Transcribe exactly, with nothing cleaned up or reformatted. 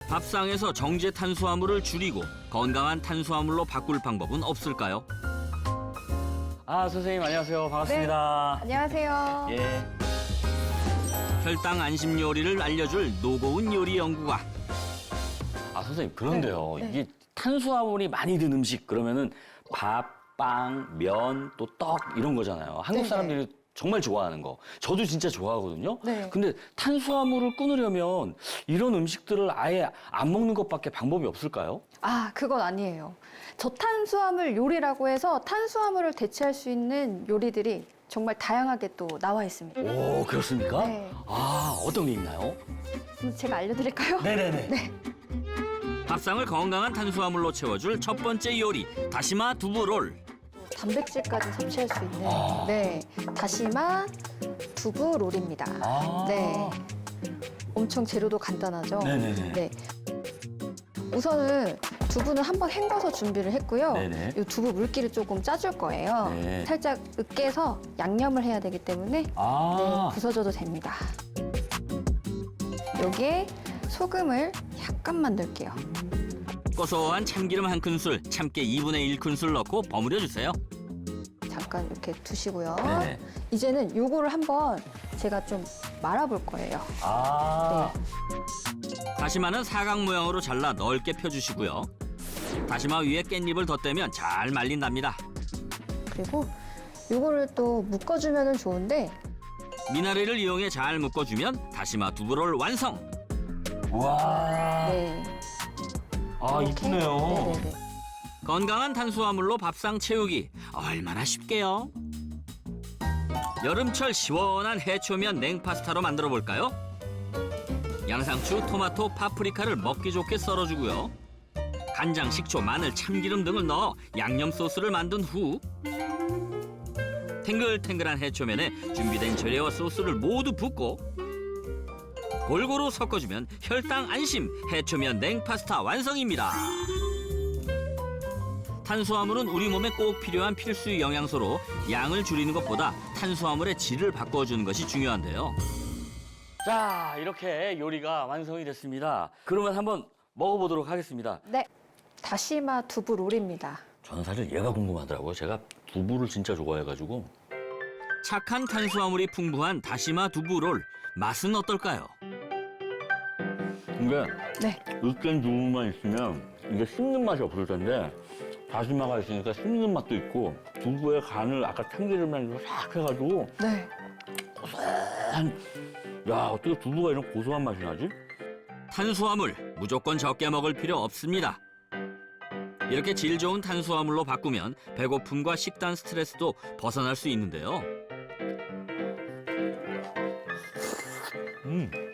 밥상에서 정제 탄수화물을 줄이고 건강한 탄수화물로 바꿀 방법은 없을까요? 아, 선생님 안녕하세요. 반갑습니다. 안녕하세요. 예. 혈당 안심 요리를 알려줄 노고운 요리 연구가. 아, 선생님 그런데요. 네, 네. 이게 탄수화물이 많이 든 음식 그러면은 밥, 빵, 면, 또 떡 이런 거잖아요. 한국 네, 사람들이 정말 좋아하는 거. 저도 진짜 좋아하거든요. 네. 근데 탄수화물을 끊으려면 이런 음식들을 아예 안 먹는 것밖에 방법이 없을까요? 아, 그건 아니에요. 저탄수화물 요리라고 해서 탄수화물을 대체할 수 있는 요리들이 정말 다양하게 또 나와 있습니다. 오, 그렇습니까? 네. 아, 어떤 게 있나요? 그럼 제가 알려드릴까요? 네네네. 네. 밥상을 건강한 탄수화물로 채워줄 첫 번째 요리, 다시마 두부롤. 단백질까지 섭취할 수 있는 아. 네 다시마 두부 롤입니다. 아. 네. 엄청 재료도 간단하죠. 네네네. 네. 우선은 두부는 한번 헹궈서 준비를 했고요. 네네. 이 두부 물기를 조금 짜줄 거예요. 네. 살짝 으깨서 양념을 해야 되기 때문에 아. 네, 부서져도 됩니다. 여기에 소금을 약간만 넣을게요. 고소한 참기름 한 큰술, 참깨 이분의 일 큰술 넣고 버무려 주세요. 잠깐 이렇게 두시고요. 네네. 이제는 요거를 한번 제가 좀 말아볼 거예요. 아. 다시마는 사각 모양으로 잘라 넓게 펴주시고요. 다시마 위에 깻잎을 덧대면 잘 말린답니다. 그리고 요거를 또 묶어주면 좋은데 미나리를 이용해 잘 묶어주면 다시마 두부롤 완성. 와. 네. 아, 이렇게. 이쁘네요. 네네네. 건강한 탄수화물로 밥상 채우기 얼마나 쉽게요? 여름철 시원한 해초면 냉파스타로 만들어 볼까요? 양상추, 토마토, 파프리카를 먹기 좋게 썰어주고요. 간장, 식초, 마늘, 참기름 등을 넣어 양념 소스를 만든 후 탱글탱글한 해초면에 준비된 재료와 소스를 모두 붓고 골고루 섞어주면 혈당 안심 해초면 냉파스타 완성입니다. 탄수화물은 우리 몸에 꼭 필요한 필수 영양소로 양을 줄이는 것보다 탄수화물의 질을 바꿔주는 것이 중요한데요. 자, 이렇게 요리가 완성이 됐습니다. 그러면 한번 먹어보도록 하겠습니다. 네. 다시마 두부 롤입니다. 저는 사실 얘가 궁금하더라고요. 제가 두부를 진짜 좋아해가지고. 착한 탄수화물이 풍부한 다시마 두부롤 맛은 어떨까요? 근데 네. 으깬 두부만 있으면 이게 씹는 맛이 없을 텐데 다시마가 있으니까 씹는 맛도 있고 두부의 간을 아까 참기름이랑 싹 해가지고 네. 고소한 야, 어떻게 두부가 이런 고소한 맛이 나지? 탄수화물 무조건 적게 먹을 필요 없습니다. 이렇게 질 좋은 탄수화물로 바꾸면 배고픔과 식단 스트레스도 벗어날 수 있는데요. 음.